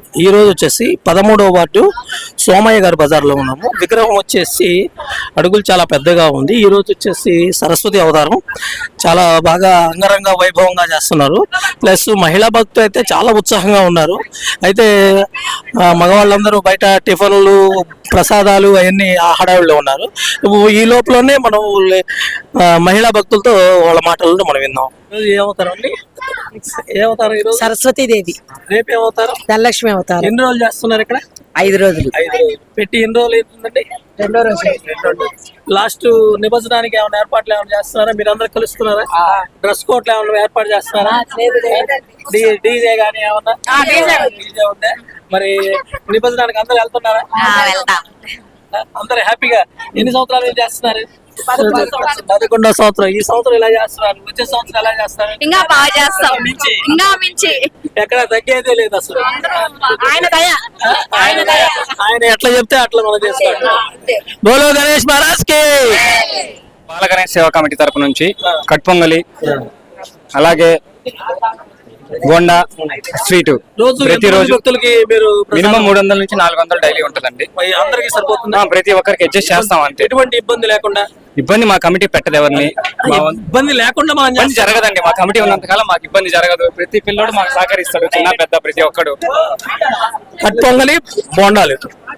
ఈ రోజు వచ్చేసి 13వ వార్డు సోమయ్య గారి బజార్లో ఉన్నాము. విగ్రహం వచ్చేసి అడుగులు చాలా పెద్దగా ఉంది. ఈ రోజు వచ్చేసి సరస్వతి అవతారం చాలా బాగా అంగరంగ వైభవంగా చేస్తున్నారు. ప్లస్ మహిళా భక్తులు అయితే చాలా ఉత్సాహంగా ఉన్నారు. అయితే మగవాళ్ళందరూ బయట టిఫిన్లు ప్రసాదాలు అవన్నీ ఆ హడావిడిలో ఉన్నారు. ఈ లోపలనే మనం మహిళా భక్తులతో వాళ్ళ మాటలను మనం విన్నాం. ఏ అవతారం అండి? ఏ అవతారం? ఈరోజు సరస్వతి దేవి. రేపు ఏమవుతారు? ధనలక్ష్మి అవతారం. ఎన్ని రోజులు చేస్తున్నారు ఇక్కడ? 5 రోజులు. 5 రోజులు పెట్టి ఎన్ని రోజులు అవుతుందండి? 2వ రోజు. లాస్ట్ నిమజ్జనానికి ఏమైనా ఏర్పాట్లు ఏమైనా చేస్తున్నారా? మీరు అందరు కలుస్తున్నారా? డ్రెస్ కోట్లు ఏమైనా ఏర్పాటు చేస్తున్నారా? డీజే గానీ ఏమన్నా? డీజే ఉందా? మరి నిమజ్జనానికి అందరు వెళ్తున్నారా? అందరు హ్యాపీగా ఎన్ని సంవత్సరాలు ఏం చేస్తున్నారు? 11వ సంవత్సరం. ఈ సంవత్సరం ఇలా చేస్తున్నారు. వచ్చే సంవత్సరం ఎలా చేస్తారు? ఇంకా బాగా చేస్తాం. ఇంకా మించి ఎక్కడ తగ్గేదే లేదు అసలు. ఆయన దయ, ఆయన దయ. ఆయన ఎట్లా చెప్తే అట్లా మనం చేసుకోవాలి. బోలో గణేష్ మహారాజ్ కి. బాల గణేష్ సేవా కమిటీ తరపు నుంచి కట్ పొంగలి, అలాగే బోండా, స్వీట్ ప్రతిరోజు మినిమం 300 నుంచి 400 డైలీ ఉంటుందండి. అందరికి సరిపోతుంది. ప్రతి ఒక్కరికి అడ్జస్ట్ చేస్తాం అంతే. ఎటువంటి ఇబ్బంది లేకుండా. ఇబ్బంది మా కమిటీ పెట్టదు ఎవరిని. ఇబ్బంది లేకుండా మనం ఇబ్బంది జరగదండి. మా కమిటీ ఉన్నంతకాలం మాకు ఇబ్బంది జరగదు. ప్రతి పిల్లోడు మాకు సహకరిస్తాడు, చిన్న పెద్ద ప్రతి ఒక్కడు. కట్ పొంగలి, బోండాలు,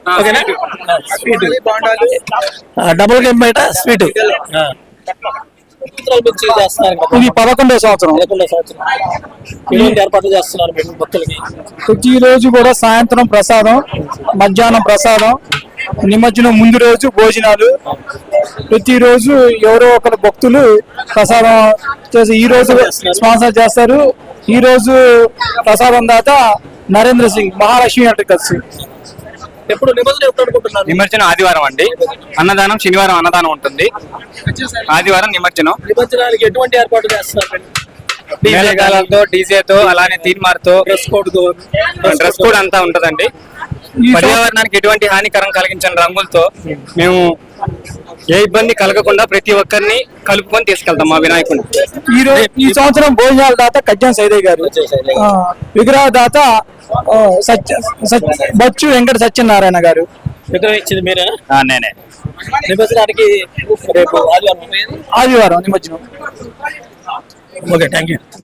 డబుల్ గేమ్ బయట స్వీట్. ఇది 11వ సంవత్సరం. ఏర్పాట్లు చేస్తున్నారు భక్తులకి? ప్రతి రోజు కూడా సాయంత్రం ప్రసాదం, మధ్యాహ్నం ప్రసాదం, నిమజ్జనం ముందు రోజు భోజనాలు. ప్రతిరోజు ఎవరో ఒకరు భక్తులు ప్రసాదం చేసి ఈ రోజు స్పాన్సర్ చేస్తారు. ఈ రోజు ప్రసాదం దాత నరేంద్ర సింగ్, మహాలక్ష్మి ఎలక్ట్రికల్స్. ఎప్పుడు నిమజ్జనం ఎప్పుడు అనుకుంటున్నారు? నిమజ్జనం ఆదివారం అండి. అన్నదానం శనివారం అన్నదానం ఉంటుంది. ఆదివారం నిమజ్జనం. నిమజ్జనానికి ఎటువంటి ఏర్పాటు చేస్తున్నారు? మేళగాలతో, డీజేతో, అలానే తీన్మార్తో, డ్రెస్ కోడ్ అంతా ఉంటదండి. పర్యావరణానికి ఎటువంటి హానికరం కలిగించని రంగులతో మేము ఏ ఇబ్బంది కలగకుండా ప్రతి ఒక్కరిని కలుపుకొని తీసుకెళ్తాం మా వినాయకుడిని. ఈ సంవత్సరం భోజనాల దాత కజ్జాన్ సైదయ్య గారు, విగ్రహ దాత బచ్చు వెంకట సత్యనారాయణ గారు. విగ్రహం ఇచ్చింది మీరే? నేనే. నిమజ్జనానికి రేపు ఆదివారం నిమజ్జనం. Okay, thank you.